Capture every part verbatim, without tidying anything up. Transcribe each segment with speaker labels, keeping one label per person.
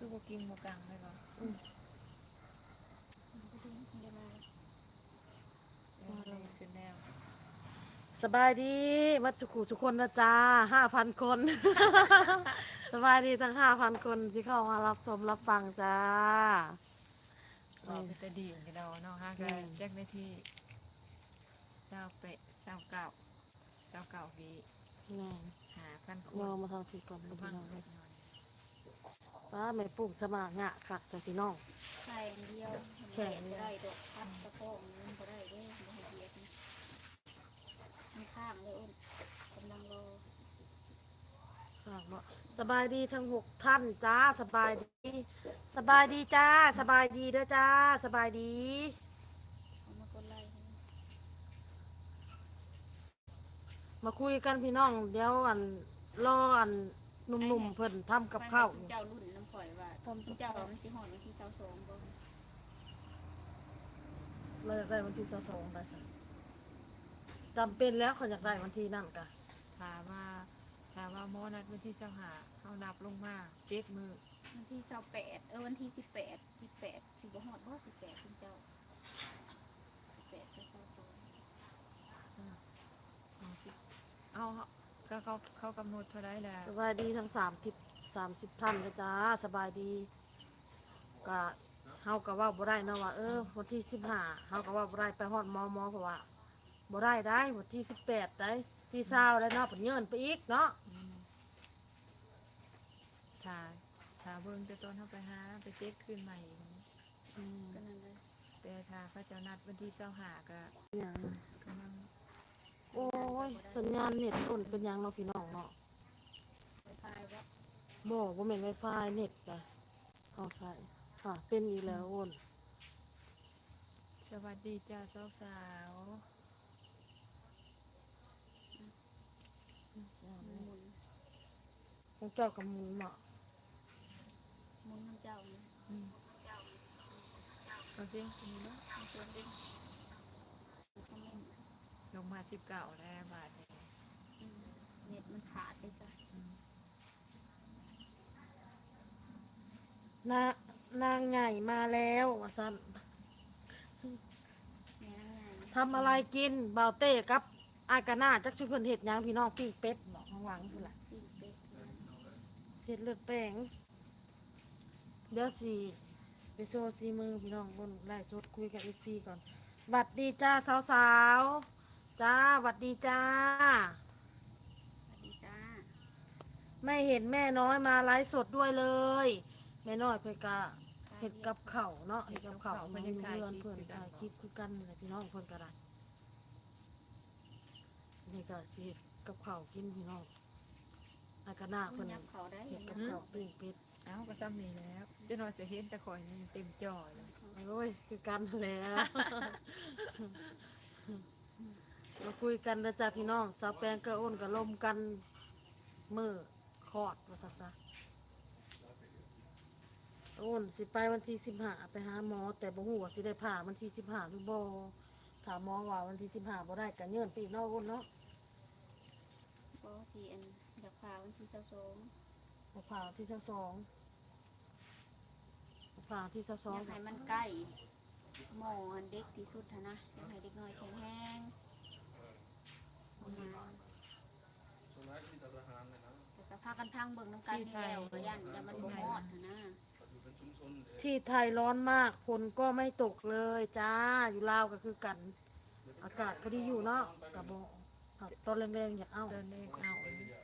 Speaker 1: คือบ่กินบ่กังเลยบ่
Speaker 2: อืม
Speaker 1: เออได้ขึ้นแล้ว
Speaker 2: สบายดีวัดสุขุสุคนนะจ้าห้าพันคน สบายดีทั้งห้าพันคนที่เข้ามารับชมรับฟังจ้า
Speaker 1: บอกไปแต่ดีกันเราเนาะฮะก็แจ็คได้ที่เศร้าเปะเศร้าเก่าเศร้าเก่าวี
Speaker 2: แม่
Speaker 1: หาพันค
Speaker 2: ร
Speaker 1: น
Speaker 2: อมาทำผิดก่อน
Speaker 1: ก็
Speaker 2: พี่
Speaker 1: พัง
Speaker 2: น้อง
Speaker 1: เล็กน้อย
Speaker 2: ป้าไม่ปลูกสมางะค่ะจ้าพี่น้อง
Speaker 3: ใส่อันเดียวแข็งได้ดอกพัดตะโพกมันก็ได้เด้อบ่ให้เบียดนะมันข้างเลยอ้นกำลังรอ
Speaker 2: ฝากบ่สบายดีทั้งหกท่านจ้าสบายดีสบายดีจ้าสบายดีเด้อจ้าสบายดี
Speaker 3: เอามากดไล่ให้
Speaker 2: มาคุยกันพี่น้องเดี๋ยวอันรออันหนุ่มๆเพิ่นทำกับข้าว
Speaker 3: เจ้ารุ่นน้ำข่อยว่าเจ้ามันสิหอนวันที่เช้าสองบ่
Speaker 2: เราอยากได้วันที่สองได้ค่ะจำเป็นแล้วเขาอยากได้วันที่นั่นกะ
Speaker 1: ถามว่าถามว่าหมอนัดวันที่เจ้าหาเขานับลงมาเจ็ดมือ
Speaker 3: วันที่เช้าแปดเออวันที่สิบแปดสิบแปดสิบ่หอดบ่สิบแปดคุณเจ้าสิบแปดก็เช้าสอง
Speaker 1: เอาสิเอาก็เขาเขากำหนดเท่าไรแหละ
Speaker 2: สบายดีทั้งสามทิศสามสิบท่านเลยจ้าสบายดีกะเฮาก็ว่าบ่ได้นะว่าเออวันที่สิบห้าเฮาก็ว่าบ่ได้ไปฮอดมอมอเพราะว่าบ่ได้ได้วันที่สิบแปดได้ที่เศร้าได้เนาะผลเงินไปอีกเนาะ
Speaker 1: อืมถ้าถ้าเบิ่งจะตอนเขาไปหาไปเช็คขึ้นใหม่อีกนะ
Speaker 2: อืม
Speaker 3: ก็นั่นเลย
Speaker 1: แต่ถ้าเขาเจะนัดวันที่เจ้าหาก็
Speaker 2: อย่าง
Speaker 1: กำลัง
Speaker 2: โอ้ยสัญญาณเน็ตต้นเป็นหยังเนาะพี่น้องเนาะ
Speaker 3: ไฟฟ้าว่า
Speaker 2: บ่บ่แม่นไวไฟเน็ตจ้ะเอาใช่ค่ะเป็นอีกแล้วโอน
Speaker 1: สวัสดีจ้าสาวสาว
Speaker 3: หมุน
Speaker 2: ของเจ้ากับหมูเนาะ
Speaker 3: หมุนน้ำเจ้านี่
Speaker 1: ๆอืมเอาสิมีเนาะ
Speaker 3: มันเกินเด้งคอมเมนต์
Speaker 1: ลงมาสิบเก้าแล้วบาทเนี่ย
Speaker 3: อืมเน็ตมันขาดไปซะ
Speaker 2: นานางใหญ่มาแล้วว่าซั่น
Speaker 3: แม่นางไง
Speaker 2: ทำอะไรกินบ่าวเต้กับอายกะหน้าจักชุเพิ่นเฮ็ดหยังพี่น้องปิ้งเป็ดเนาะข้างหลังพุ่นล่ะ
Speaker 3: ปิ้งเป็ดนะ
Speaker 2: เฮ็ดเลือดแป้งเดี๋ยวสิไปโชว์ซีมือพี่น้องบนไล่สดคุยกับ เอฟ ซี ก่อนหวัดดีจ้าสาวๆจ้าหวัดดีจ้า
Speaker 3: สวัสดีจ้า
Speaker 2: ไม่เห็นแม่น้อยมาไลฟ์สดด้วยเลยแม่น้อยเพิ่นก็เฮ็ดกับข้าวเนาะเฮ็ดกับข้าวเพิ่นอยู่เรือนเพิ่นถ่ายคลิปคือกันนี่แหละพี่น้องเพิ่นก็ได้นี่ก็สิเฮ็ดกับข้าวกินพี่น้องอายกะหน้า
Speaker 3: คุ
Speaker 2: เพิ่
Speaker 3: ณ
Speaker 2: น
Speaker 3: ยับเขาได้
Speaker 2: เห็
Speaker 3: ยั
Speaker 2: ด
Speaker 3: ง
Speaker 2: กับ
Speaker 3: ยับ
Speaker 2: ข้า
Speaker 3: เขา
Speaker 2: วปิ้งเป็ด
Speaker 1: เอ้าก็ซ้ำนี่แล้วเจะนอนเสียเห็นแต่ข่อยนี่เต็มจอเลย
Speaker 2: โอ้ยคือกันแล้ว มาคุยกันนะจ๊ะพี่น้องสาวแปงก็อ้นก็ลมกันมือคอดว่าซะซะอ้นสิไปวันที่สิบห้าไปหาหมอแต่บ่ฮู้ว่าสิได้ผ่าวันที่สิบห้าหรือบ่ถามหมอว่าวันที่สิบห้าบ่ได้ก็เงื่อนไปอีกเนาะอ้นเนาะ
Speaker 3: เพราะที่อันอยากพาวันที่เช้าสอง
Speaker 2: บ่ผ่าวันที่สิบสองบ่ผ่าวันที่สิบส
Speaker 3: อ
Speaker 2: อง
Speaker 3: ยากให้มันใกล้หมออันเด็กที่สุดหั้นนะอยากให้เด็กน้อยแข็งแรงประมาณแต่ก็พากันพังเบิ่งน้ำกันนี่แล้วก็ยันอย่ามันบ่ฮอดหั้นนะ
Speaker 2: ที่ไทยร้อนมากฝนก็ไม่ตกเลยจ้าอยู่ลาวก็คือกัน อากาศก็ดีอยู่เนาะกะบ่ครับตอนแรงๆอยากเอา
Speaker 1: ตอนนี้เอาอันนี้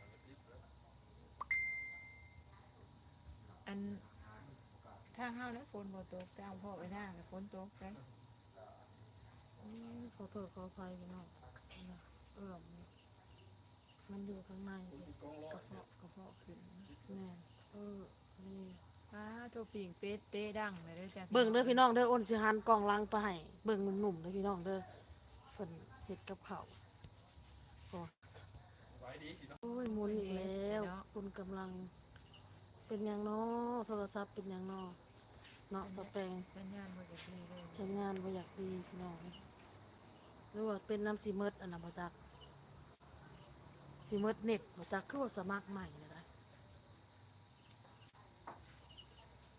Speaker 1: อันถ้าห้าวแล้วฝนบ่ตกแต่เอาพ่อไปหน้าแต่ฝนตกไป
Speaker 2: อืมขอโทษขออภัยพี่น้องเอื้อมมันอยู่ข้างในกระเพาะกระเพาะขึ้นแม่นเออนี่
Speaker 1: ป้าตัวปิ่งเป็ดเต้ดังเลยเด้อจ้ะ
Speaker 2: เบิ่งเด้อพี่น้องเด้ออ้นสิหันกล่องลังไปให้เบิ่งหนุ่มๆเด้อพี่น้องเด้อเพิ่นเฮ็ดกับข้าวโอ้โอ้ยหมุนอีกแล้วคุณกำลัง เป็นหยังเนาะโทรศัพท์เป็นหยังเนาะเนาะสแปง
Speaker 1: สัญญาณบ่จะดีเลย
Speaker 2: ใช้งานบ่อยากดีพี่น้องหรือว่าเป็นน้ำซีเมิดอันนั้นบ่จักซีเมิดเน็ตบ่จักคือว่าสมัครใหม่เลยนะ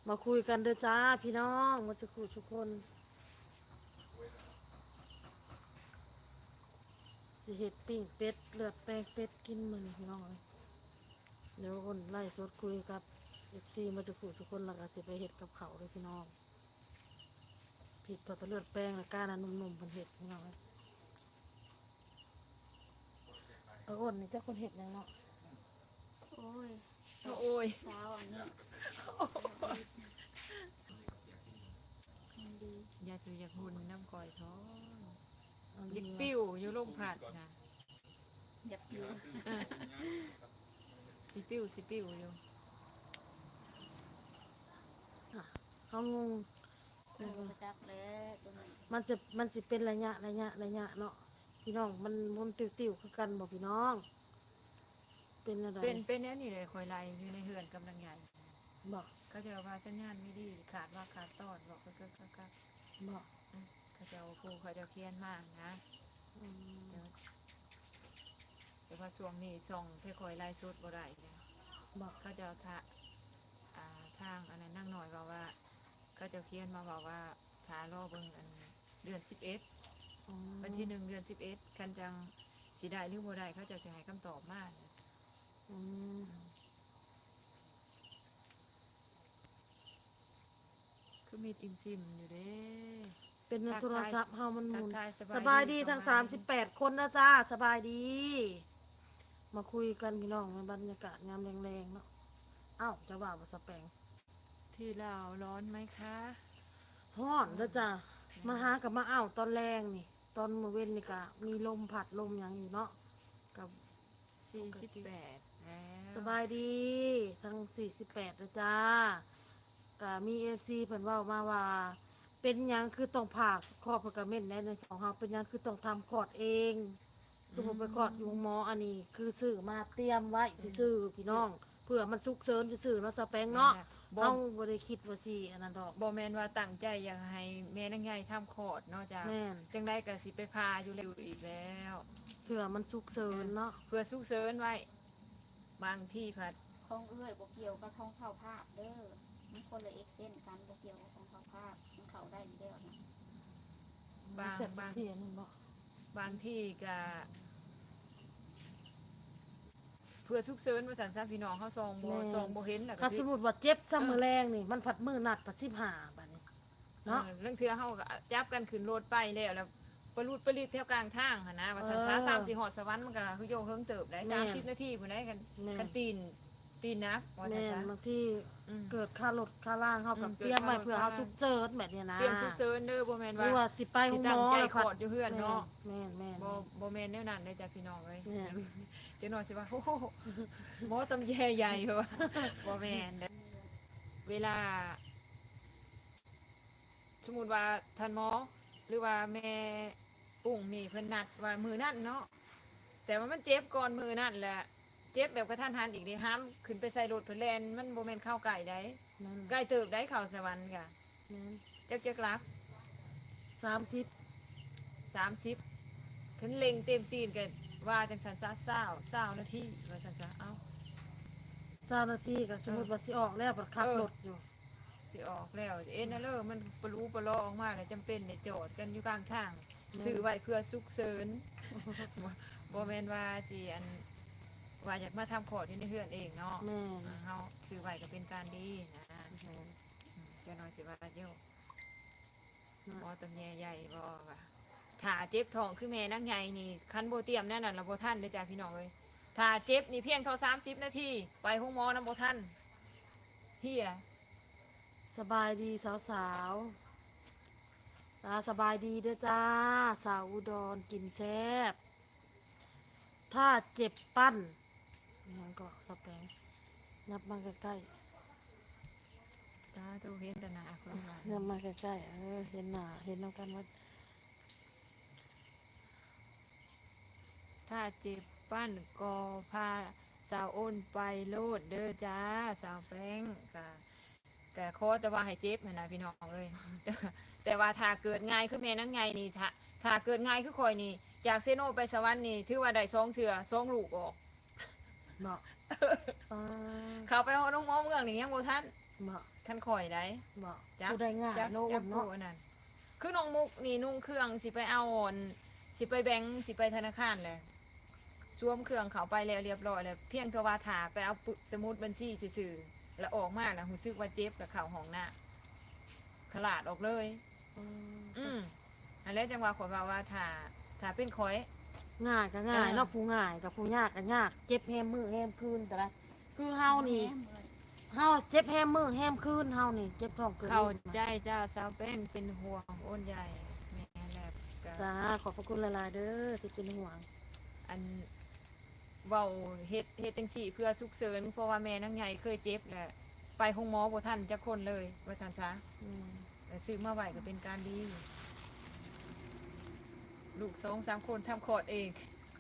Speaker 2: มาคุยกันเด้อจ้าพี่น้องมาจะคุยทุกคนสิเห็ดปิ้งเป็ดเลือดแป้งเป็ดกินมื้อนี้พี่น้องเอ้ยเดี๋ยวคนไล่สดคุยกับเอฟซีมาจะคุยทุกคนแล้วก็สิไปเห็ดกับเขาวเลยพี่น้องผิดพอตะเลือดแป้งแล้วก้านะนุ่มๆเป็นเห็ดพี่น้องเอ้ยเอออ้นนี่เจ้าคนเห็ดยังเนาะ
Speaker 3: โอ้ย
Speaker 1: โอ้ย
Speaker 3: เช้าอันนี้มันดี
Speaker 1: ยาสูอยากหุ่นน้ำก่อยท้อง
Speaker 2: เอา
Speaker 1: ยิ
Speaker 2: ดี
Speaker 1: ก
Speaker 2: วะ
Speaker 1: ปิ้วอยู่ลมผัดนะ
Speaker 3: อยากอยู่
Speaker 1: สิปิ้วสิปิ้วอยู่
Speaker 2: อ่ะเขางง
Speaker 3: โอ้ยจักแล้วตัวนี้
Speaker 2: มันจะมันสิเป็นระยะระยะระยะเนาะพี่น้องมันมันติวๆคือกันบอกพี่น้อง เป็นอะไร
Speaker 1: เป็นเป็นแน่นี่เลยคอยไล่อยู่ในเฮือนกำลังใหญ่
Speaker 2: บอก
Speaker 1: เขาจะว่าสัญญาณไม่ดีขาดว่าขาดตอดบอกก็ก็ก็ก็
Speaker 2: บอก
Speaker 1: เขาจะเอาครูเขาจะเคียนมากนะ
Speaker 2: อืม
Speaker 1: แต่ว่าช่วงนี้ส่องเพื่อคอยไล่สุดบ่ได้นะ
Speaker 2: บอก
Speaker 1: เขาจะเอาทะอ่าทางอันนั้นนั่งหน่อยบอกว่าเขาจะเคียนมาบอกว่าทารอเบิ่งอันเดือนสิบเอ็ด
Speaker 2: อืม
Speaker 1: วันที่หนึ่งเดือนสิบเอ็ดคันจังสีได้หรือบ่ได้เขาจะจะให้คำตอบมา
Speaker 2: อืม
Speaker 1: คือมีอิมซิมอยู่เด้
Speaker 2: เป็นในโทรศัพท์เฮามันห
Speaker 1: ทั
Speaker 2: มุ
Speaker 1: ก
Speaker 2: น
Speaker 1: ทาย
Speaker 2: สบายดี
Speaker 1: ประ
Speaker 2: ทั้ง
Speaker 1: ณ
Speaker 2: สามสิบแปดคนนะจ้าสบายดี มาคุยกันพี่น้องในบรรยากาศยามแรงๆเนาะอ้าวจะว่าบ่สแปง
Speaker 1: ที่ลาวร้อนไหมคะ
Speaker 2: ฮ้อนแล้วจ้ามาหากับมาอ้าวตอนแรงนี่ ตอนมื้อเว้นนี่ก็มีลมพัดลมหยังอยู่เนาะกับ
Speaker 1: สี่สิบแปดแล้ว
Speaker 2: สบายดีทั้งสี่สิบแปดนะจ้าก็มีเอฟซีเพิ่นเว่ามาว่า เป็นหยังคือต้องผ่าคลอดพกเม่นในในสองเฮาเป็นหยังคือต้องทำคลอดเองคือผมไปคลอดอยู่หมออันนี้ คือซื้อมาเตรียมไว้ซื้อๆพี่น้อง เพื่อมันสุกเสริญซื่อๆเนาะสแปงเนาะ
Speaker 1: บ่
Speaker 2: เฮาบ่ได้คิดว่าสิอันนั้นดอก
Speaker 1: บ่แม่นว่าตั้งใจอยากให้แม่นางใหญ่ทำคลอดเนาะจ้ะ
Speaker 2: แม่น
Speaker 1: จังได้ก็สิไปพาอยู่แล้วอีกแล้ว
Speaker 2: เพื่อมันสุกเสริญเนาะ
Speaker 1: เพื่อสุกเสริญไว้ บางที่ผัด
Speaker 3: ของเอื้อยบ่เกี่ยวกับของเข้าภาพเด้อมันคนละเอ็กเซนกันบ่เกี่ยวกับของเข้าภาพมันเข้าได้อยู่แล้วนะ
Speaker 1: บาง
Speaker 2: เสร็จ
Speaker 1: บาง
Speaker 2: เทียนบ่
Speaker 1: บางที่ก็เพื่อสุกเสริญว่าสันซะพี่น้องเขาซองบ่ซองบ่เห็นน่ะ
Speaker 2: ถ้า
Speaker 1: ก็
Speaker 2: ส
Speaker 1: สิ
Speaker 2: มมุติว่าเจ็บซ้ำมื้อแรงนี่มันผัดมื้อนัดผัดสิบห้าบัดนี้เนาะ
Speaker 1: เออเรื่องเทื่อเฮาก็จับกันขึ้นรถไปแล้วแล้วปลุดปลิดแถวกลางทางหั่นนะว่าสันซะ
Speaker 2: เออ
Speaker 1: สามสี่หอดสวรรค์มันก็คือโยงเฮิงเติบได้
Speaker 2: แม่น
Speaker 1: สามสิบนาทีพุ่นได้กัน
Speaker 2: แม่น
Speaker 1: กันปีนปีนนักว่าสัน
Speaker 2: แม่น
Speaker 1: ซะ
Speaker 2: บางที
Speaker 1: อืม
Speaker 2: เกิดค่ารถค่าล่างเฮากับ
Speaker 1: อืม
Speaker 2: เตรียมไว้
Speaker 1: เกิด
Speaker 2: เพื่อ
Speaker 1: ค่า
Speaker 2: เฮาร
Speaker 1: ถ
Speaker 2: สุกเสริญแบบเนี้ยนะ
Speaker 1: เตรียมสุกเสริญเด้อบ่แม่น
Speaker 2: หรือ
Speaker 1: ว่า
Speaker 2: ว่าสิไปห้องหมอ
Speaker 1: สิตั้งใจ
Speaker 2: แล้ว
Speaker 1: ขอดอยู่เฮือนเนาะ
Speaker 2: แม่นแม่น
Speaker 1: บ่บ่แม่นแนวนั้นเด้อจ้ะพี่น้องเอ้ย
Speaker 2: แม่น
Speaker 1: เจ้าหน่อยสิว่าโอ้โหหมอตำแยใหญ่เหรอบ่แม่นเด้อเวลา สมมุติว่าท่านหมอหรือว่าแม่ปุ้งนี่เพิ่นนัดว่ามือนั่นเนาะแต่ว่ามันเจ็บก่อนมือนั่นแหละเจ็บแบบกระทันหันอีกเด้ห้ามขึ้นไปใส่รถเพิ่นแล่นมันบ่แม่นเข้าใกล้ได้
Speaker 2: แม่น
Speaker 1: ใกล้เติบได้เข้าสวรรค์กะ
Speaker 2: แม่น
Speaker 1: จักจักลัก
Speaker 2: สามสิบ
Speaker 1: สามสิบเพิ่นเล็งเต็มตีนกันว่าจังสันซะเศร้าเศร้านาทีว่าสันซะเอ้า
Speaker 2: สามนาทีก็สมมุติว่าสิออกแล้วบัดขับ
Speaker 1: เออ
Speaker 2: รถอยู่
Speaker 1: สิออกแล้วเอ็นนะเลอมันปลูปลอออกมาแล้วจำเป็นได้จอดกันอยู่กลางทางซื้อไว้เพื่อสุกเสริญ บ่บ่แม่นว่าสิอันว่าอยากมาทำขอดอยู่ในเฮือนเองเนาะ
Speaker 2: แม่น
Speaker 1: อ่าเฮาซื้อไว้ก็เป็นการดีนะ
Speaker 2: แม่น
Speaker 1: อืมเจ้าน้อยสิว่าเจ้าหมอตำแยใหญ่บ่ว่าถ้าเจ็บท้องคือแม่นางใหญ่นี่คันบ่เตรียมแน่นั่นล่ะบ่ทันเด้อจ้าพี่น้องเอ้ยถ้าเจ็บนี่เพียงเท่าสามสิบนาทีไปห้องหมอนำบ่ทันเฮีย
Speaker 2: สบายดีสาวๆตาสบายดีเด้อจ้า สาวอุดรกินแซ่บถ้าเจ็บปั้นนี่ก็สแปงนับมาใกล้ๆ
Speaker 1: ตาตูเห็นแต่หน้าคนว่า
Speaker 2: เริ่มมาใกล้ๆเออเห็นหน้าเห็นน้ำกันว่า
Speaker 1: ถ้าเจ็บปั้นก็พาสาวอ้นไปโลดเด้อจ้าสาวแป้งกะแต่ขอแต่ว่าให้เจ็บนะนะพี่น้องเลย แต่ว่าถ้าเกิดง่ายคือแม่นั่งไงนี่ถ้าถ้าเกิดง่ายคือคอยนี่จากเซโนไปสวรรค์นี่ถือว่าได้สองเถื่อสองลูกออก
Speaker 2: เนาะป้า
Speaker 1: เขาไปเอาน้องหมอเมืองนี่ยังบ่ทัน
Speaker 2: บ่
Speaker 1: คันข่อยได้
Speaker 2: บ่
Speaker 1: จัก
Speaker 2: ผู้ใดง่าย
Speaker 1: จัก
Speaker 2: โน
Speaker 1: จั
Speaker 2: อุ่
Speaker 1: ก
Speaker 2: น
Speaker 1: ผู้
Speaker 2: เนาะ
Speaker 1: อันนั้นคือน้องมุกนี่นุ่งเครื่องสิไปเอาอ่อนสิไปแบงค์สิไปธนาคารเลยสวมเครื่องเขาไปแล้วเรียบร้อยแล้วเพียงแต่ว่าถาไปเอาปึกสมุดบัญชีซื่อๆแล้วออกมาแล้วรู้สึกว่าเจ็บแล้วเข้าห้องน้ำขลาดออกเลย
Speaker 2: อืม
Speaker 1: อืมอันแล้วจังว่าขอยว่าว่าถ้าถ้าเป็นข่อย
Speaker 2: ง่ายก็ง่าย
Speaker 1: อ่า
Speaker 2: เนาะผู้ง่ายกับผู้ยากก็ยากเจ็บแฮมมือแฮมคืนแต่ละคือเฮานี่
Speaker 3: แหมเลย
Speaker 2: เฮาเจ็บแฮมมือแฮมคืนเฮานี่เจ็บท้องเกิน
Speaker 1: เข้าใจจ้าสาวแป้งเป็นห่วงโอนใหญ่แม่แลบก็
Speaker 2: จ้าขอบพระคุณหลายๆเด้อที่เป็นห่วง
Speaker 1: อันเว้าเฮ็ดเฮ็ดจังซี่เพื่อสุกเสริญเพราะว่าแม่นางใหญ่เคยเจ็บแหละไปห้องหมอบ่ทันจักคนเลยว่าซั่นซะ
Speaker 2: อืม
Speaker 1: แต่ซื้อมาไว้ก็เป็นการดี ลูกสองสามคนทำคลอดเอง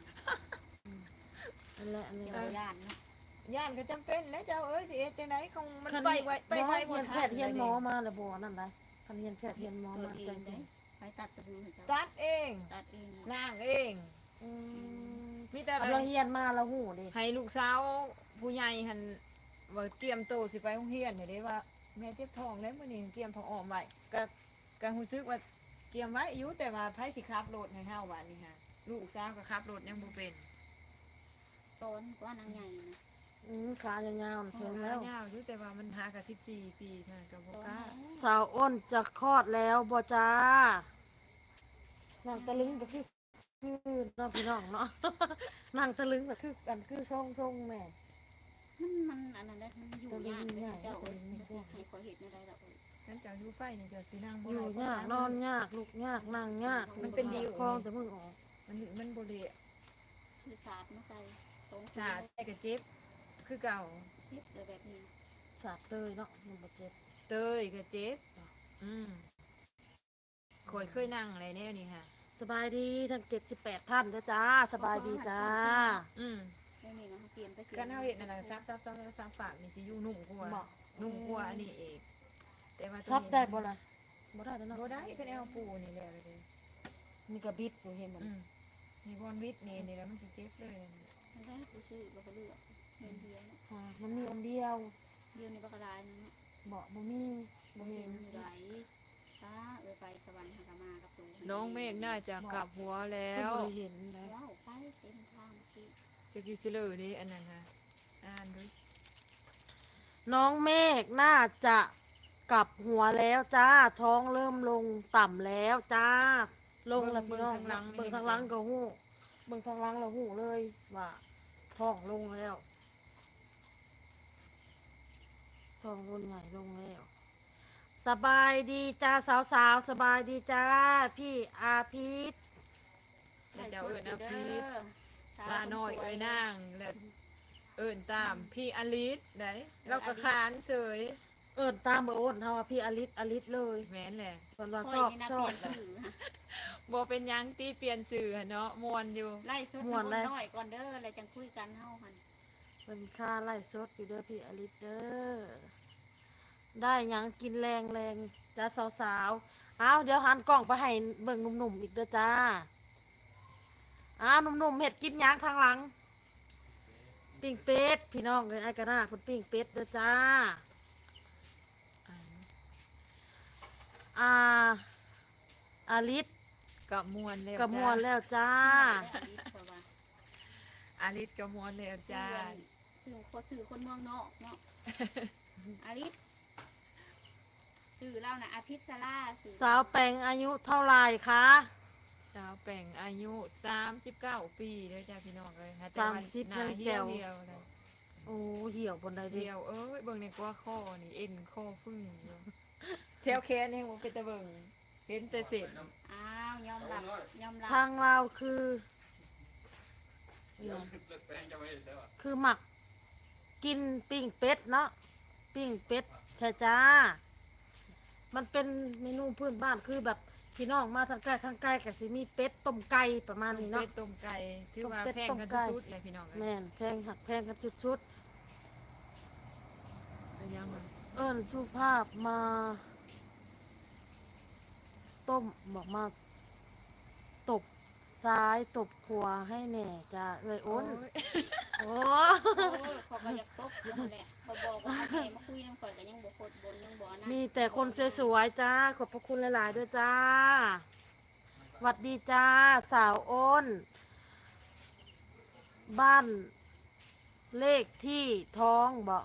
Speaker 2: นั่นแหละอันนี้
Speaker 3: เจ้าย่านเนาะ
Speaker 1: ย่านก็จำเป็นแล้วเจ้าเอ้ยสิเฮ็ดจังไดคงมัน
Speaker 2: คัน
Speaker 1: ไปไว้ไปไส
Speaker 2: เฮี
Speaker 1: บ่
Speaker 2: ยนแพ
Speaker 1: ทั
Speaker 2: ท
Speaker 1: น
Speaker 2: ย์เฮียนหมอมาแล้วบ่นั่นได้คันเฮียนแพทย์เฮียนหมอ
Speaker 3: ตัว
Speaker 2: มา
Speaker 3: เอ
Speaker 2: จั
Speaker 3: ง
Speaker 2: ง
Speaker 3: ได้ไปตัดสบู่ให้เจ้า
Speaker 1: ตัดเอง
Speaker 3: ตัดเอง
Speaker 1: นางเอง
Speaker 2: อืม
Speaker 1: มีแต่
Speaker 2: เอาเราเฮียนมาแล้วหูดิ
Speaker 1: ให้ลูกสาวผู้ใหญ่หันว่าเตรียมโตวสิไปโรงเรียนเนี่ยเด้ว่าแม่เจ็บท้องแล้วมื้อนี้เตรียมท้องอ้อมไว้ก็ก็รู้สึกว่าเตรียมไว้อยู่แต่ว่าไผสิขับรถให้เฮาว่านี่ฮะลูกสาวก็ขับรถยังบ่เป็น
Speaker 3: ตอนกว่านางใหญ่นะ
Speaker 2: อืมขายาวๆ
Speaker 1: เ
Speaker 2: เพิ่งแล้ว
Speaker 1: ยาวอยู่แต่ว่ามันหากับสิบสี่ปีเท่านั้นก็บ่
Speaker 3: ตอน
Speaker 1: กล้า
Speaker 3: นั้น
Speaker 2: สาวอ้นจะคลอดแล้วบ่จ้านางตะลึงก็คือคือน้องพี่น้องเนาะ นางตะลึงก็คือกันคือทรงทรงแม่
Speaker 3: มันมันอันนั้นได้มันอยู่ยากเลยเจ้าเอ้ยมันสิให้ขอเห็ดในใดล่ะเอ้ย
Speaker 1: ฉันจะอยู่ไฟนี่จะสินั่งบ่
Speaker 2: อยู่
Speaker 1: ได้
Speaker 2: ยากนอนยากลูกยากนั่งยาก
Speaker 1: มันเป็นดิว
Speaker 2: คลองแต่มึงออก
Speaker 1: มันมันบ่ได้
Speaker 3: ชื่อศาสตร์มาใส่ตรง
Speaker 1: สาใส่ก็เจ็บคือเก่า
Speaker 3: เฮ็ดเลยแบบนี้
Speaker 2: สาดเตยเนาะมันบ่เจ็บ
Speaker 1: เตยก็เจ็บอืมข่อยเคยนั่งอะไรแนวนี้ค่ะ
Speaker 2: สบายดีทั้งเจ็ดสิบแปดท่านเด้อจ้าสบายดีจ้า
Speaker 1: อืม
Speaker 3: ไม่มีนะเสียมไปเสียม
Speaker 1: การเฮาเฮ็ดนั่นน่ะซับซับซับซับซับปากนี่สิอยู่นุ่มกว่า
Speaker 2: บอก
Speaker 1: นุ่มกว่าอันนี้เองแต่ว่าตัว
Speaker 2: ซับ
Speaker 1: นี้
Speaker 2: ได้บ่ล่ะบ่ได้เด้อเนาะ
Speaker 1: บ่ได้คือแนวปูนี่แหละเลย
Speaker 2: มีกระบิดอยู่เห็นบ่
Speaker 1: อืมมีบอลวิทย์นี่นี่แล้วมันสิเจ็บเลย
Speaker 3: มันได้ผู้ซื้อบ่ก็เลือกเงินเดียวเนาะ
Speaker 2: อ่ามันมีอันเดียว
Speaker 3: เดียวในบักกระดายนึงเนาะ
Speaker 2: บ่บ่มีบ่
Speaker 3: บ่
Speaker 2: มี
Speaker 3: เห็นไหลตาเอ้ยไปสวรรค์หากมากับตู
Speaker 1: น้องเมฆน่าจะกลับหัวแล้
Speaker 2: แล้ว
Speaker 1: ว
Speaker 2: บ่ได้เห็นแล้ว
Speaker 3: ว้าวไปเต็มทางสิ
Speaker 1: จะกิซิเลอร์นี่อันนั้นนะอ่านดู
Speaker 2: น้องเมฆน่าจะกลับหัวแล้วจ้าท้องเริ่มลงต่ำแล้วจ้า ลงแล้วพี่น้องเบิ่งทางหลังก็ฮู้เบิ่งทางหลังแล้วฮู้เลยว่าท้องลงแล้วท้องรุ่นใหญ่ลงแล้ว สบายดีจ้าสาวๆสบายดีจ้าพี่อาทิตย์
Speaker 1: แล้วเจ้าเอิญอาพีท
Speaker 3: ตา
Speaker 1: ลาน้อยเอ้ยนางแล้วเอิญตามพี่อลิสได้เราก็ขานเสย
Speaker 2: เอิ้นตามเบอร์โอนเฮาว่าพี่อลิศอลิศเลย
Speaker 1: แม่นแหละ
Speaker 2: เพิ่นว่า
Speaker 3: ค
Speaker 2: ช
Speaker 3: อย
Speaker 2: อบ
Speaker 3: นี่นะ
Speaker 2: ช
Speaker 3: เป
Speaker 2: อ
Speaker 3: ลี่
Speaker 2: บ
Speaker 3: ยนชื่อฮะ
Speaker 1: บ่เป็นหยังตีเปลี่ยนสื่อหั่นเนาะมวนอยู่
Speaker 3: ไล่สุด
Speaker 2: ม่วนเลย
Speaker 3: น้อยก่อนเด้อแล้วจังคุยกันเฮาหั่น
Speaker 2: เป็นค่าไล่สดอยู่เด้อพี่อลิศเด้อได้หยังกินแรงแรงจ้าสาวๆเอาเดี๋ยวหันกล้องไปให้เบิ่งหนุ่มๆอีกเด้อจ้าอ้าวหนุ่มๆเห็ดกินหยังทางหลัง ปิ้งเป็ดพี่น้องเลยไอ้กระนาคุณปิ้งเป็ดเด้อจ้าอ่าอาลิศ
Speaker 1: กับมวนแล้ว
Speaker 2: กระมวล
Speaker 1: จ้า
Speaker 2: แล้วจ้า
Speaker 1: อาลิสกับมวนแล้วจ้า
Speaker 3: สื่อคนสื่อคนเมืองนอกเนาะ อาริสสื่อเล่านะอาทิตย์สลาสื่อ
Speaker 2: สาวแปงอายุเท่าไหร่คะ
Speaker 1: สาวแป่งอายุสามสิบเก้าปีเด้อจ้าพี่น้องเลยห
Speaker 2: สามสิบ
Speaker 1: หน้า
Speaker 2: ยัง
Speaker 1: เหี่
Speaker 2: แจ๋
Speaker 1: ยว
Speaker 2: ว
Speaker 1: เดียวเลย
Speaker 2: โอ้เหี่ยวบนใดเดี
Speaker 1: เดี
Speaker 2: ย
Speaker 1: ยว วเอ้ยเบิ่งในกว่าข้อนี่เอ็นข้อฟึ่งอยู่แถวแขนนี่ผมเป็นตะเบิ่งเห็นแต่เสร็จ
Speaker 3: อ้าวยอมรับยอมรับ
Speaker 2: ทางเราคือคือหมักกินปิ้งเป็ดเนาะปิ้งเป็ดแค่จ้า มันเป็นเมนูพื้นบ้านคือแบบพี่น้องมาทางใกล้ทางไกลกับสิมีเป็ดต้มไก่ประมาณนี้
Speaker 1: เป็
Speaker 2: เนาะ
Speaker 1: ดต้มไก่ถือว่า
Speaker 2: ต้มเป็ด
Speaker 1: แพง
Speaker 2: ต้ม
Speaker 1: กัน
Speaker 2: ไก่
Speaker 1: สุดๆเลยพี่น้องเอ้ย
Speaker 2: แม่นแพงหักแพงกันชุด
Speaker 1: เอายังมา
Speaker 2: ๆเอิ้นสุภาพมา ต้มบอกมาตบซ้ายตบขวาให้แหน่จ้าเอ้ย
Speaker 1: โอ้
Speaker 2: อ้น
Speaker 1: ย
Speaker 2: โอ้
Speaker 3: โอ้ยเขาก็อยากตบอยู่นั่นแหละเขาบอกว่าเอาแม่มาคุยนำข่อยก็ยังบ่โคตรบนยังบ่นะ
Speaker 2: มีแต่คนสวยๆจ้าขอบพระคุณหลายๆด้วยจ้าหวัดดีจ้าสาวอ้น บ้านเลขที่ท้องบอก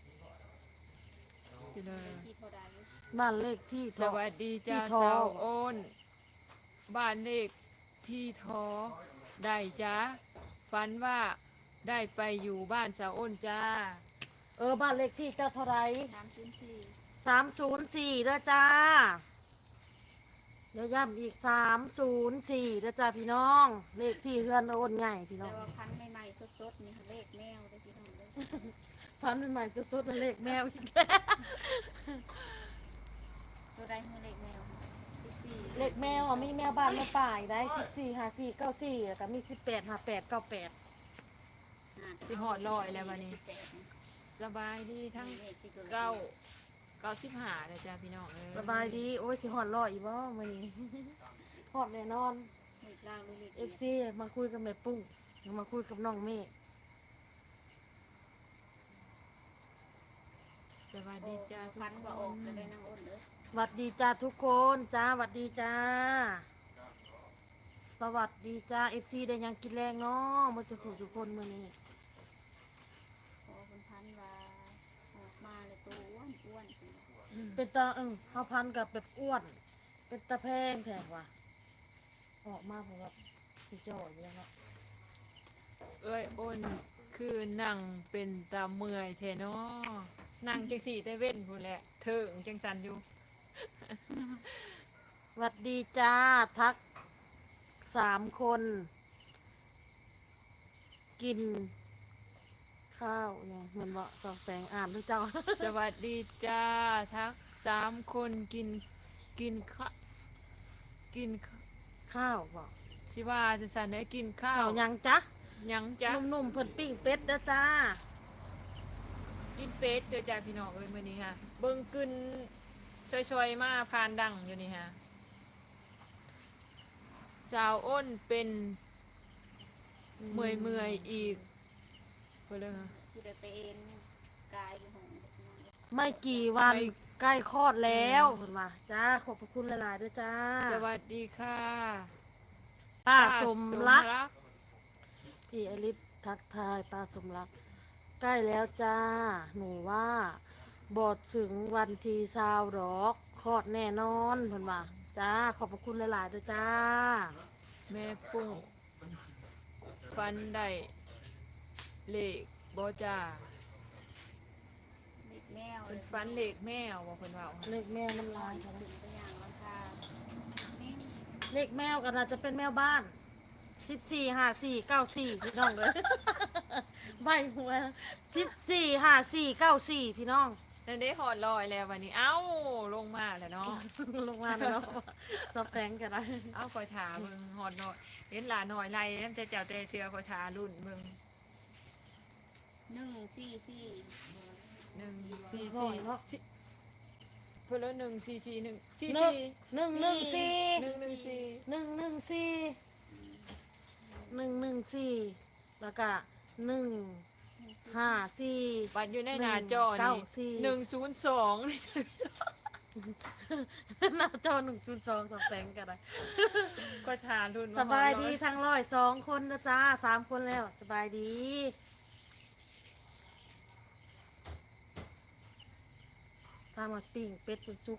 Speaker 1: พี่น้อง
Speaker 3: ที่เท่าใด
Speaker 2: บ้านเลขที่
Speaker 1: สวัสดีจ้า
Speaker 2: ที่ท้อ
Speaker 1: สาวโอนบ้านเลขที่ท้อได้จ้าฝันว่าได้ไปอยู่บ้านสาวโอนจ้า
Speaker 2: เออบ้านเลขที่เจ้าเท่าไหร
Speaker 3: สามศูนย์สี่
Speaker 2: สามศูนย์สี่เด้อจ้าเดี๋ยวย้ำอีกสามศูนย์สี่เด้อจ้าพี่น้อง เลขที่เฮือนโอนใหญ่พี่น้
Speaker 3: แต่
Speaker 2: อง
Speaker 3: ว่าพันธุ์ใหม่ๆสดๆนี่เลขแมวได้อพี่น้องเด้อ
Speaker 2: พันใหม่ๆจะสุดเลขแมวอีกแล้ว
Speaker 3: ตัวใดคือเลขแมวสิบสี่
Speaker 2: เลขแมวอ่ะมีแมวบ้านแมวป่ายได้สิบสี่ห้าสี่เก้าสี่แต่มีสิบแปดห้าแปดเก้าแปด
Speaker 1: สิหอดลอยแล้ววันนี้
Speaker 3: สิบแปดนี่
Speaker 1: สบายดีทั้ง
Speaker 3: เลขสิบ
Speaker 1: เก้าเก้าสิบห้าเลยจ้าพี่น้องเอ้
Speaker 2: สบายดีโอ้ยสิหอดรออีกบ่มื้อนี้ หอดแน่นอน
Speaker 3: เลขลาวหรือเลข
Speaker 2: เอ
Speaker 3: เอี
Speaker 2: ฟ
Speaker 3: ยด
Speaker 2: ซีมาคุยกับแม่ปุ้งมาคุยกับน้องเมฆ
Speaker 1: สวัส
Speaker 3: โอ้
Speaker 1: ดีจ้าทุ
Speaker 3: พั
Speaker 1: ก
Speaker 3: นธุ์
Speaker 1: ค
Speaker 3: ว่าออก
Speaker 1: น
Speaker 3: จะได้นางอ้นเด้อ
Speaker 2: หวัดดีจ้าทุกคนจ้าหวัดดีจ้า สวัสดีจ้าเอฟซีได้หยังกินแรงเนาะมาสุขทุกคนมื้อนี้
Speaker 3: พอคุณพันธุ์ว่าออกมาเลยตัวอ้วนอ้วนจริง
Speaker 2: เป็นตาเออเฮาพันกับแบบอ้วน เป็นตาแพงแท้ว่ะออกมาผมแบบสิจ่อยอยู่แล้วเนาะ
Speaker 1: เอ้ยโอนคือนั่งเป็นตาเมื่อยแทเนาะนั่งจังสี่แต่เว้นพูนแหละเถิงจังสันอยู่
Speaker 2: หวัดดีจ้าทักสามคน กิน ข้าวเนี่ยเหมือนว่าสองแปลงอ่านด้วยเจ้า
Speaker 1: สวัสดีจ้าทั้งสามคนกินกินข้ากินข้า
Speaker 2: ข้าวบอก
Speaker 1: สิว่าจะสันได้กินข้า
Speaker 2: ข้าว วยังจ๊ะ
Speaker 1: ยังจ้ะ
Speaker 2: นุ่มๆเพิ่นปิ้งเป็ดเด้อจ้า
Speaker 1: กินเป็ดเด้อจ้าพี่น้องเอ้ยมื้อนี้ฮะเบิ่งกึนช่วยๆมาพานดังอยู่นี่ฮะสาวอ้นเป็นเมื่อยเมื่อยๆอีกเพิ่นเลยฮะ
Speaker 3: คือได้ไปเอ็นกายอยู่ของพี่น้องเด้อ
Speaker 2: ไม่กี่วัน
Speaker 1: ไม่
Speaker 2: ใกล้คลอดแล้วเพิ่นว่าจ้าขอบพระคุณหลายๆด้วยจ้า
Speaker 1: สวัสดีค่ะ
Speaker 2: ป้า
Speaker 1: ป้า
Speaker 2: สมรัก
Speaker 1: สก
Speaker 2: พี่อลิศทักทายป้าสมรัก ใกล้แล้วจ้า หนูว่าบอดถึงวันทีซาวดอกคลอดแน่นอนเพิ่นว่าจ้าขอบพระคุณหลายๆด้วยจ้า
Speaker 1: แม่ปุ้งฟันได้เลขบ่จ้า
Speaker 3: เลขแมว
Speaker 1: เป็นฟันเลขแมวบ่เพิ่นว่า
Speaker 2: เลขแมวน้ำลาย
Speaker 3: ถึ
Speaker 2: ค่ะ
Speaker 3: งตัวอย่างราคาแม่
Speaker 2: เลขแมวก็น่าจะเป็นแมวบ้านสิบสี่ห้าสี่เก้าสี่พี่น้องเลย ใบหัวสิบสี่ห้าสี่เก้าสี่พี่น้อง
Speaker 1: นั่นได้หอดลอยแล้ววันนี้ เอ้าลงมาแล้วเนาะ
Speaker 2: ลงมาแล้วเนาะสอบแตงกันได้
Speaker 1: เอ้าคอยถาเบิ่งหอดหน่อยเห็นหลานหน่อยไรน้ำใจเจ้าแต่เสือคอยถารุ่นเบิ่ง
Speaker 3: หนึ่งสี่สี่
Speaker 1: หนึ่งสี่
Speaker 2: หน่อ
Speaker 1: สี่
Speaker 2: ยเนาะ
Speaker 1: เพื่อนละหนึ่งสี่สี่หนึ่งสี่
Speaker 2: หนึ่ง
Speaker 1: สี่
Speaker 2: หนึ่งหนึ่งสี่
Speaker 1: หนึ่งหนึ่งสี่
Speaker 2: หนึ่งหนึ่งสี่หนึ่งหนึ่งสี่แล้วก็หนึ่งห้าสี่
Speaker 1: บัตรอยู่ในหน้าจอ
Speaker 2: เก้า
Speaker 1: นี่
Speaker 2: สี่
Speaker 1: หนึ่งศูนย์สอง
Speaker 2: หน้าจอหนึ่งจุดสองสอบแตงกันได้
Speaker 1: คอยถารุ่น
Speaker 2: สบายดีทั้งร้อยสองคนนะจ้าสามคนแล้วสบายดีทำมาปิ้งเป็ดเป็นซุก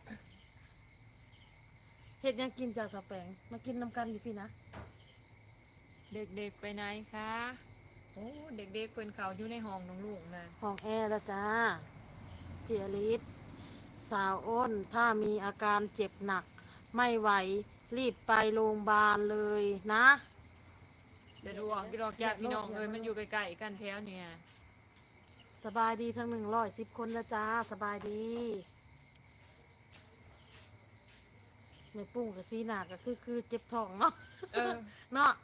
Speaker 2: เห็ดหยังกินจากสะแปงมากินน้ำกันอยู่พี่นะ
Speaker 1: เด็กๆไปไหนคะโอ้เด็กๆเพิ่นเขาอยู่ในห้องน้องลุงนะ
Speaker 2: ห้องแอร์แล้วจ้าพี่อลิศสาวอ้นถ้ามีอาการเจ็บหนัก ไม่ไหวรีบไปโรงพยาบาลเลยนะ
Speaker 1: สะดวกพี่ดอกญาติพี่น้องเอ้ยมันอยู่ใกล้ๆกันแถวเนี่ย
Speaker 2: สบายดีทั้งหนึ่งร้อยสิบคนแล้วจ้าสบายดีในปุ้งกับซีหนาก็คือคือเจ็บท้องเนาะ
Speaker 1: เออ
Speaker 2: เนาะ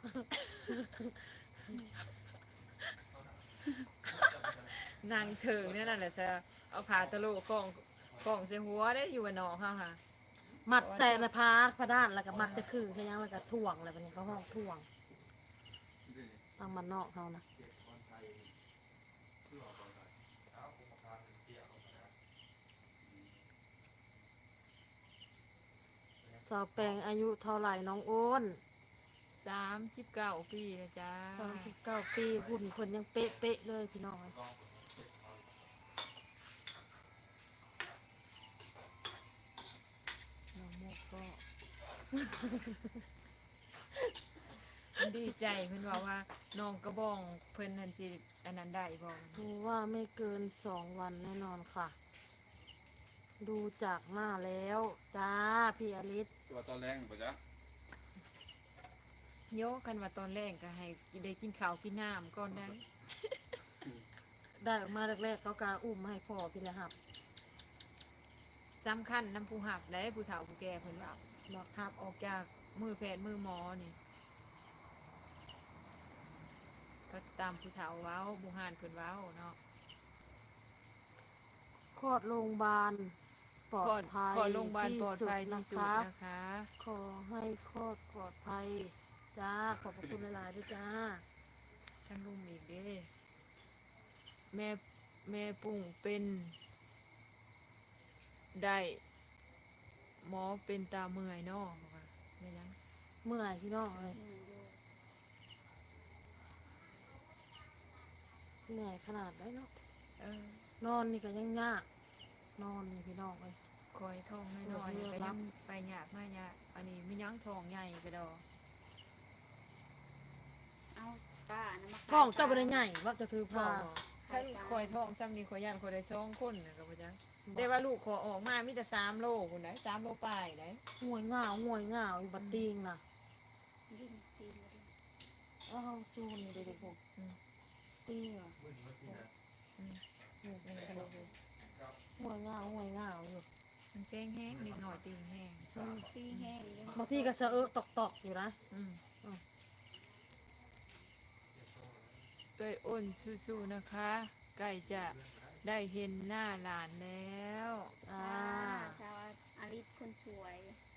Speaker 1: นางเถิงเนี่ยนั่นแหละจะเอาผ้าตะโลกองกองใส่หัวได้อยู่กับน้องเขาค่ะ
Speaker 2: มัดแสนพาพระด้านแล้วก็มัดจะคือแค่ยังแล้วก็ถ่วงอะไรแบบนี้เขาห้องถ่วงทางบ้านนอกเฮานะสาวแปงอายุเท่าไหร่น้องโอ้น
Speaker 1: สามสิบเก้าปีแล้วจ้า
Speaker 2: สามสิบเก้าปีหุ่นเพิ่นยังเป๊ะๆเลยพี่น้องน้องโมกก็
Speaker 1: ดีใจเพิ่นบอกว่าน้องกระบองเพิ่นนั่นสิอันนั้นได้บ่
Speaker 2: ดูว่าไม่เกินสองวันแน่นอนค่ะ ดูจากหน้าแล้วจ้าพี่อลิศ
Speaker 4: ตัวตอนแรงป่ะจ๊ะ
Speaker 1: โยกกันว่าตอนแรกก็ให้ได้กินข้าวกินน้ำก่อนได้
Speaker 2: ได้ออกมาแรกๆเขากาอุ้มมาให้พ่อพี่เลยครับ
Speaker 1: สำคัญน้ำผู้หับและผู้เฒ่าผู้แก่เพิ่นว่า
Speaker 2: บอก
Speaker 1: หับออกจากมือแพทย์มือหมอนี่ก็ตามผู้เฒ่าเว้าบุหานเพิ่นเว้าเนาะ
Speaker 2: คลอดโรงพยาบาลปลอดภัย
Speaker 1: ขอโรงพยาบาลปลอดภัยที่
Speaker 2: ที่
Speaker 1: สุ
Speaker 2: สุ
Speaker 1: ด
Speaker 2: ดนะ
Speaker 1: นะคะ
Speaker 2: ขอให้คลอดปลอดภัยจ้าขอบพระคุณหลายๆด้วยจ้า
Speaker 1: ท่านลุงอีกเด้แม่แม่ปุ่งเป็นได้หมอเป็นตาเมื่อยเนาะบอกว่าแม่ยัง
Speaker 2: เมื่อยพี่น้องเลย
Speaker 3: อืมอยู่
Speaker 2: เหนื่อยขนาดได้เนาะ
Speaker 1: เออน
Speaker 2: อนนี่ก็ยังยากนอนนี่พี่น้องเลย
Speaker 1: คอยท้องน้อยๆ
Speaker 2: เออ
Speaker 1: ก็
Speaker 2: รั
Speaker 1: ยั
Speaker 2: บ
Speaker 1: งไปยากมากยากอันนี้ไม่ยั้งท้องใหญ่ก็ดอก
Speaker 3: เอาป้านะมาขาย
Speaker 2: ท้องเจ้าบริใหญ่ว่าจะถือ
Speaker 1: พอ
Speaker 2: พา
Speaker 1: ถ้าคอยท้องซ้ำนี่คอยย่านคอยได้สองคนนะก็บ่จังแต่ว่าลูกขอออกมามีแต่สามโลคุณได้สามโลปลายได้
Speaker 2: ห่วยง่าวห่วยง่าวอยู่บัดติงน่ะ
Speaker 3: ดิ้นตีนมาดิ
Speaker 2: อ้าวจูนนี่เด็กๆพวก
Speaker 1: อืม
Speaker 2: ติงอ่ะ
Speaker 1: อืมนี่เป็นกระดูก
Speaker 2: ห่วยง่าวห่วยง่าวอยู่
Speaker 1: มันแป้งแห้งนิดหน่อยตีนแห้ง
Speaker 3: ตีแห้งเลย
Speaker 2: บางทีก็สะเอะตอกตอกๆอยู่นะ
Speaker 1: อืม
Speaker 2: อืม
Speaker 1: เอ้ยอ้นสู้ๆนะคะใกล้จะได้เห็นหน้าหลานแล้ว
Speaker 2: อ่า
Speaker 3: อ่าชาวอาริสคนสวย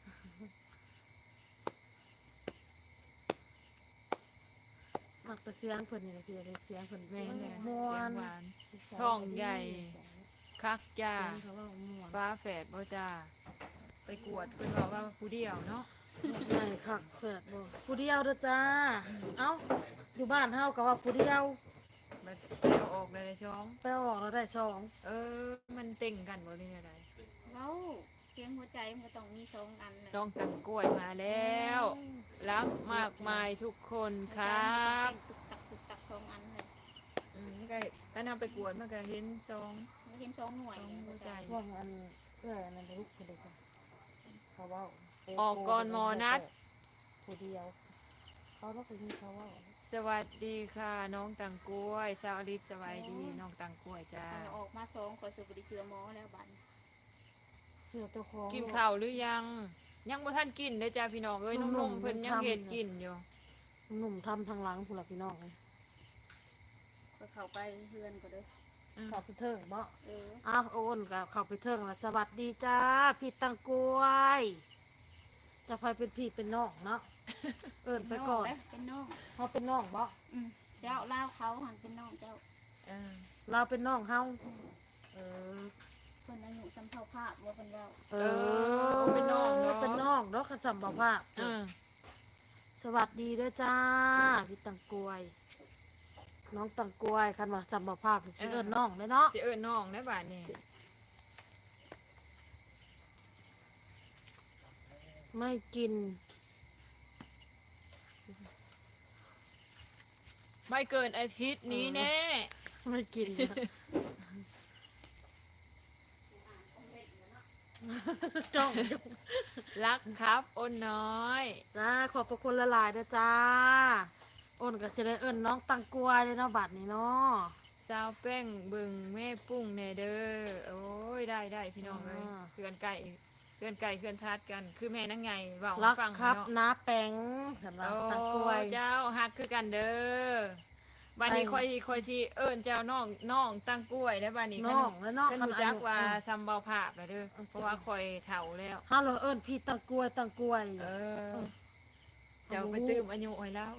Speaker 2: มักแต่เสียงเพิ่นนี่แหละพี่เลยเสียงเพิ่น
Speaker 1: แม่
Speaker 2: แม่
Speaker 1: เนี่ย
Speaker 2: ม่ว
Speaker 1: เสีย
Speaker 2: น
Speaker 1: งหวาน ท้องใหญ่ คักจ้า
Speaker 2: เสียงเขาว่าม่วน
Speaker 1: ฟ้าแฝดบ่จ้าไปกวดเพิ่นบอกว่าผู้เดียวเนาะ
Speaker 2: ใหญ่คักเปิดบ่ผู้เดียวเด้อจ้า เอ้าอยู่บ้านเฮาก็ว่าผู้เดียว
Speaker 1: บัดไปเอาออกได้เลยช่อง
Speaker 2: ไปเอาออกแล้วได้สอง
Speaker 1: เออ มันเต่งกันบ่หรืออะไร
Speaker 3: เว้าเสียงหัวใจมันก็ต้องมีสองอันน่ะ
Speaker 1: น้องตังกล้วยมาแล้ว รักมากมายทุกคนครับ
Speaker 3: ตุกตักตุกตักสองอันเลย
Speaker 1: อืมก็ถ้านำไปกวดมันก็เห็นซอง
Speaker 3: ไม่เห็นสองหน่วย
Speaker 1: สองหัวใจ
Speaker 2: พวกอันเอ้ยอันนั้นลูกเพิ่นเลยจ้ะเขาเว้า
Speaker 1: ออกก่อนหมอนัด
Speaker 2: ผู้เดียว เขาต้องไปมีเขาเว้า
Speaker 1: สวัสดีค่ะ น้องตังกล้วยสาวอลิศสวัสดีน้องตังกล้วยจ้า
Speaker 3: มันออกมาสองขอสุบริเสือหมอแล้วบัด
Speaker 2: เสื้อเจ้าของ
Speaker 1: กินข้าวหรือยัง ยังบ่ทันกินเด้อจ้าพี่น้องเอ้ยนุ่มๆเพิ่นยังเฮ็ดกินอยู่
Speaker 2: หนุ่มทำทางหลังผู้หลักพี่น้องเลย
Speaker 3: ก็เข้าไปเพื่อนก็เด้อ
Speaker 1: อืม
Speaker 2: เข้าไปเทิงบ่
Speaker 3: เออ
Speaker 2: อ้าวโอนกับเข้าไปเทิงแล้วสวัสดีจ้าพี่ตังกล้วย จะไปเป็นพี่เป็นน้องเนาะ เอินไปก่อน
Speaker 3: เป็นน้อง
Speaker 2: เขาเป็นน้องบ่
Speaker 3: อืมเจ้าเล่าวเขาหันเป็นน้องเจ้า
Speaker 1: เออ
Speaker 2: เราเป็นน้องเฮาเออ
Speaker 3: เพิ่นอายุจำเท่าภาพว่าเพิ่นเล่า
Speaker 2: เอ
Speaker 1: อเป็นน้องเนาะ
Speaker 2: เป็นน้องเนาะคันสัมบ่ภาพ
Speaker 1: เออ
Speaker 2: สวัสดีเด้อจ้าพี่ตังกล้วย น้องตังกล้วยคันว่าสัมบ่ภาพสิเอิ้นน้องเลยเนาะ
Speaker 1: สิเอิ้นน้องได้บาดนี้
Speaker 2: ไม่กิน
Speaker 1: ไม่เกินอาทิตย์นี้แน่
Speaker 2: ไม่กิน จ้องอยู่
Speaker 1: รักครับอ้นน้อย
Speaker 2: จ้าขอบพระคุณละลายๆนะจ้าอ้นก็สิได้เอิ้นน้องตังกล้วยเลยเนาะบัดนี้เนาะ
Speaker 1: สาวแป้งเบิ่งแม่ปุ้งแน่เด้อโอ้ยได้ได้พี่น้องเลยเพื่อนไก่เพื่อนไก่เพื่อนทัดกัน คือแม่นั่งไงเว่าให้
Speaker 2: รัก
Speaker 1: ฟัง
Speaker 2: ครับ
Speaker 1: เนาะ
Speaker 2: น้าแปงสำหรับ
Speaker 1: โอ้
Speaker 2: ตังกล้วย
Speaker 1: เจ้าฮักคือกันเด้อบัดนี้
Speaker 2: ไป
Speaker 1: คอยคอยสิเอิ้นเจ้าน้องน้องตั้งกล้วยแล้วบัดนี้
Speaker 2: น้องแล้วน้อง
Speaker 1: เพิ่น
Speaker 2: คัน
Speaker 1: รู้
Speaker 2: อา
Speaker 1: จัก
Speaker 2: ยุ
Speaker 1: ว่า
Speaker 2: เออ
Speaker 1: ซัมเบาภาพแล้วเด้อเพราะว่าคอยเฒ่าแล้ว
Speaker 2: ฮัลโหลเอิ้นพี่ตังกล้วยตังกล้วย
Speaker 1: เออ
Speaker 2: เ
Speaker 1: เจ้าไปตื้มอายุไว้แล้ว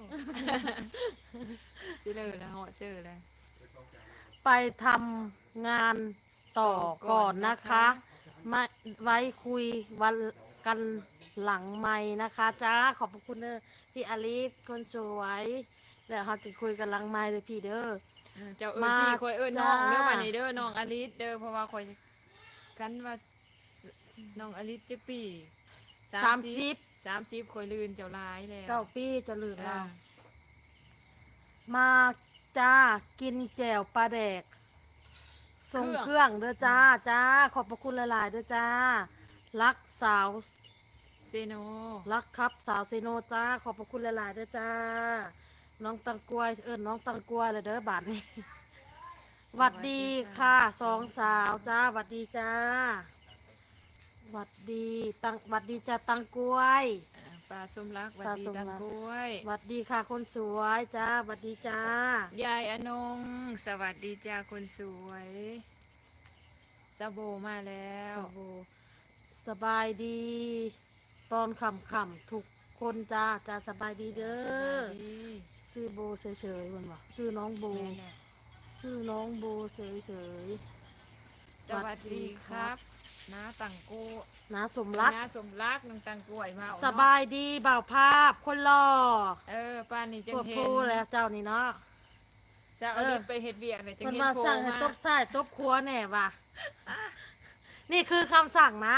Speaker 1: สิเลยแล้วเหาะเชื่อเลย
Speaker 2: ไปทำงานต่อก่อนนะคะมาไว้คุยวันกันหลังไม้นะคะจ้าขอบพระคุณเด้อพี่อลิสคนสวยแล้วเขาจะคุยกันหลังไม้เลยพี่เด้อ
Speaker 1: เออเจ้าเอิญพี่
Speaker 2: มา
Speaker 1: คอยเอิญน้อง
Speaker 2: จ้า
Speaker 1: เด้อวันนี้เด้อน้องอลิสเด้อเพราะว่าคอยกันว่าน้องอลิสจะปี
Speaker 2: สามสิบ
Speaker 1: สามสิบคอยลืนเจ้าร้ายแล้ว
Speaker 2: เก้าปีจะลืม
Speaker 1: เอ
Speaker 2: เรา
Speaker 1: อ
Speaker 2: มาจ้ากินแจ่วปลาแดกส่งเครื่องเด้อจ้าจ้าขอบพระคุณหลายๆเด้อจ้ารักสาว
Speaker 1: เซโน
Speaker 2: รักครับสาวเซโนจ้าขอบพระคุณหลายๆเด้อจ้าน้องตังกวยเอิญน้องตังกวยเลยเด้อบาทนี้หวัดดีค่ะสองสาวจ้าหวัดดีจ้าหวัดดีตังหวัดดีจ้าตังกวย
Speaker 1: อ่าปลาส้มรักหวัด
Speaker 2: ปลา
Speaker 1: ดี
Speaker 2: ส้ม
Speaker 1: ตัง
Speaker 2: รัก
Speaker 1: กล้วย
Speaker 2: หวัดดีค่ะคนสวยจ้าหวัดดีจ้าย
Speaker 1: ายอนงสวัสดีจ้าคนสวยซาโบมาแล้ว
Speaker 2: โอ้โหสบายดี ตอนขำขำๆทุกคนจ้าจ้าสบายดีเด้
Speaker 1: ส
Speaker 2: อ
Speaker 1: วัสดี
Speaker 2: ชื่อโบเฉยๆมันวะชื่อน้องโบ
Speaker 1: แม่น่ะ
Speaker 2: ชื่อน้องโบเฉย
Speaker 1: สวัสดีครับน้าตังกู
Speaker 2: ๆน้าสมรัก
Speaker 1: น้าสมรักน้องตังกล้วยมาเอ
Speaker 2: ส
Speaker 1: เนะ
Speaker 2: บายดีบ่าวภาพคนรอ
Speaker 1: เออป้านนี่จั
Speaker 2: ป
Speaker 1: ง
Speaker 2: วด
Speaker 1: เห็
Speaker 2: พู
Speaker 1: น
Speaker 2: แล้วเจ้านี่เนาะ
Speaker 1: จะเอา
Speaker 2: เออ
Speaker 1: ลิปไปเฮ็ดเวียกเลยจัง
Speaker 2: คน
Speaker 1: เห็น
Speaker 2: มา
Speaker 1: โผล่
Speaker 2: สั่งให้
Speaker 1: มา
Speaker 2: ตบไส้ตบครัวแน่ว่ะ นี่คือคำสั่งนะ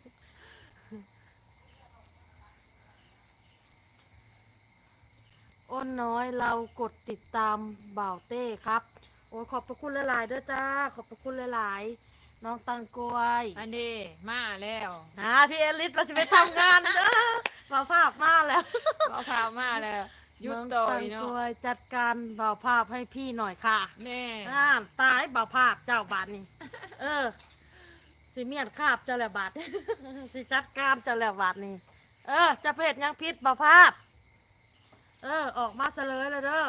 Speaker 2: อ้นน้อยเรากดติดตามบ่าวเต้ครับ โอ้ขอบพระคุณหลายๆเด้อจ้า ขอบพระคุณหลายๆ น้องตังกวย
Speaker 1: อันนี้มาแล้ว
Speaker 2: นะพี่เอลิสเราจะไปทำงานเด้อบ่าวภาพมาแล้ว
Speaker 1: ก็พามาแล้วหยุด
Speaker 2: น้อง
Speaker 1: ต่อ
Speaker 2: ตั
Speaker 1: ย
Speaker 2: ง
Speaker 1: เนาะ
Speaker 2: กวยจัดการบ่าวภาพให้พี่หน่อยค่ะ
Speaker 1: แน่
Speaker 2: อ่าตายบ่าวภาพเจ้าบาทนี่เออสิเมียนคาบเจ้าแหละบาท สิจัดการเจ้าแหละบาทนี่เออจะเพศยังพิษบ่าวภาพ เออ ออกมาเสลยเลยเด้อ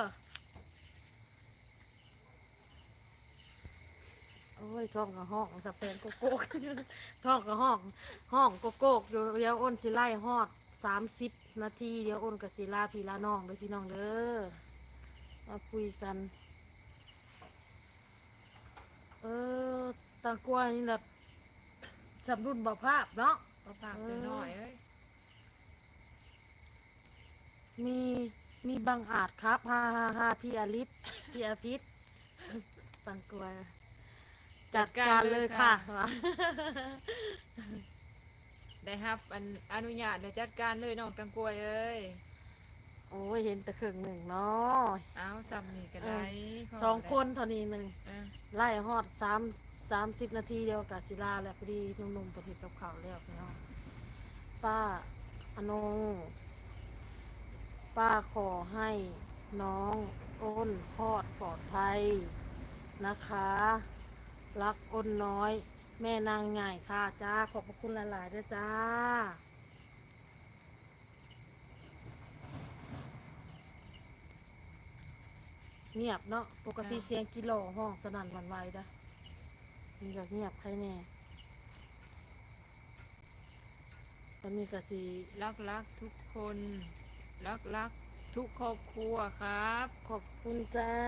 Speaker 2: โอ้ยท้องกับห้องสะเพนโกโก้ ท้องกับห้อง ห้องโกโก้อยู่เดี๋ยวอ้นสิไล่ฮอดสามสิบนาทีเดี๋ยวอ้นกับศิลาพี่ลาน้องเด้อพี่น้องเด้อมาคุยกัน เออตางกล้วยนี่แบบสำรุนบ่ภาพเนาะ
Speaker 1: ก็พากเสียหน่อยเอ้ย
Speaker 2: มีมีบางอาจครับฮ่าฮ่าฮ่าพี่อลิฟพี่อาพิษตังกวยจัดการเลยค่ะ
Speaker 1: ได้ครับอันอนุญาตได้จัดการเลยน้องตังกล้วยเอ้ย
Speaker 2: โอ้ยเห็นแต่ครึ่งหนึ่งเนาะ
Speaker 1: เอาซ้ำนี่ก็ได้
Speaker 2: สองคนเท่านี้หนึ่ง
Speaker 1: เออ
Speaker 2: ไล่ฮอดสามสามสิบนาทีเดียวกับศิลาแล้วพอดีหนุ่มๆประทิดกับเขาวแล้วพี่น้องป้าอนงป้าขอให้น้องอ้นพอดปลอดภัยนะคะ รักอ้นน้อย แม่นางใหญ่ค่ะจ้าขอบพระคุณหลายๆด้วยจ้าเงียบเนาะปกติเสียงกิโลห้องสนั่นหวันไหวนะมีก็เงียบใครแน่ตอนนี้ก็สี
Speaker 1: รักรักทุกคน รักรักทุกครอบครัวครับ
Speaker 2: ขอบคุณจ้า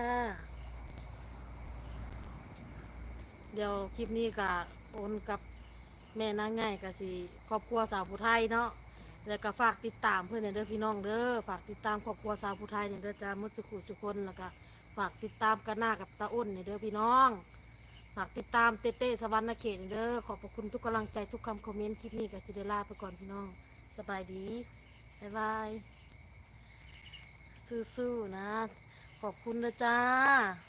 Speaker 2: เดี๋ยวคลิปนี้ก็โอนกับแม่นางง่ายกับสีครอบครัวสาวผู้ไทยเนาะแล้วก็ฝากติดตามเพื่อนเนี่ยเด้อพี่น้องเด้อฝากติดตามครอบครัวสาวผู้ไทยเนี่ยเด้อจ้ามุดสุขุสุคนแล้วก็ฝากติดตามกันหน้ากับตาอ้นเนี่ยเด้อพี่น้องฝากติดตามเต้เต้สวรรค์เขตเนี่ยเด้อขอบพระคุณทุกกำลังใจทุกคำคอมเมนต์คลิปนี้กับซิเดล่าไปก่อนพี่น้องสบายดีบ๊ายบายสู้ๆนะขอบคุณนะจ้า